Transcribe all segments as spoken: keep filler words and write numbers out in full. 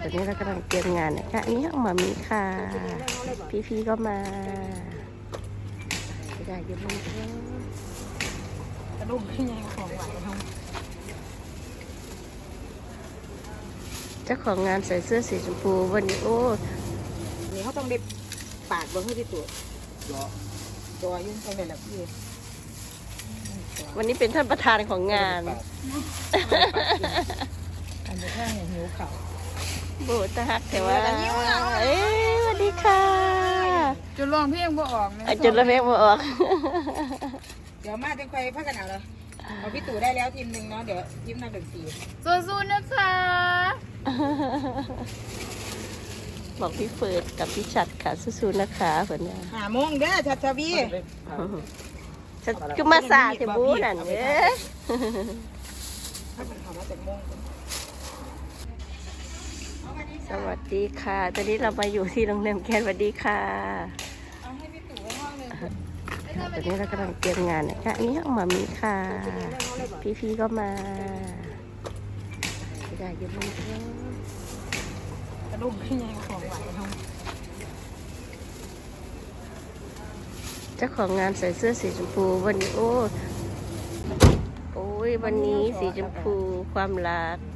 อนนี้เรากำลังเตรียมงานนะคะอันนี้ห้องหมามีค่ะพี่ๆก็มาอยากอยู่บนเครื่องกระดุมขึ้นยังของไหวทงเจ้าของงานใส่เสื้อสีชมพูวันนี้โอ้นี่เขาต้องได้ปาดบนให้ที่ตัวตัวยุ่งไปเลยแหละพี่วันนี้เป็นท่านประธานของงานอันนี้แค่เนี่ยหิวเข่าโบตะฮักแต่ว่าเอ้ยสวัสดีค่ะจุดลองเพียงบ่ออกนะอ่ะจุดละเพลงมาออกเดี๋ยวมาจะคอยพักกันเอาเลยเอาพี่ตู่ได้แล้วทีมหนึ่งเนาะเดี๋ยวทีมนักดนตรีสู้ๆนะคะบอกพี่เฟิร์ดกับพี่ชัดค่ะสู้ๆนะคะเพื่อนเนี่ยหาโมงเด้อชัดชวีฉันก็มาสาเทบูนั่นเด้อถ้ามันเขามาจากโมงสวัสดีค่ะตอนนี้เรามาอยู่ที่โรงแรมแคนสวัสดีค่ะเอาให้พี่ตู่ไว้ห้องหนึ่งตอนนี้เรากำลังเตรียมงานนะคะอันนี้ห้องหมามีค่ะพี่ๆก็มาอยากอยู่บนเครื่องกระดุมขึ้นยังของไหวทงเจ้าของงานใส่เสื้อสีชมพูวันนี้โอ้โอ้ยวันนี้สีชมพูความรัก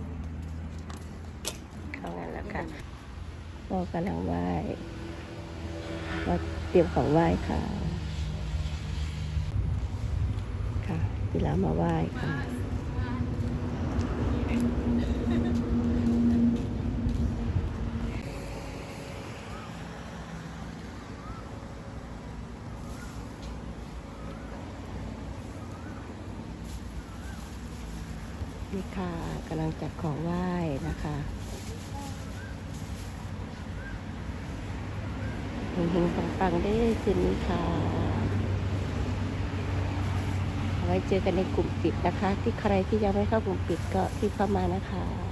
เข้างานแล้วค่ะก็กำลังไหว้ก็เตรียมของไหว้ค่ะค่ะเวลามาไหว้ค่ะนี่ค่ะกำลังจัดของไหว้นะคะเฮงๆปังๆได้คืนนี้ค่ะเอาไว้เจอกันในกลุ่มปิดนะคะที่ใครที่ยังไม่เข้ากลุ่มปิดก็ที่เข้ามานะคะ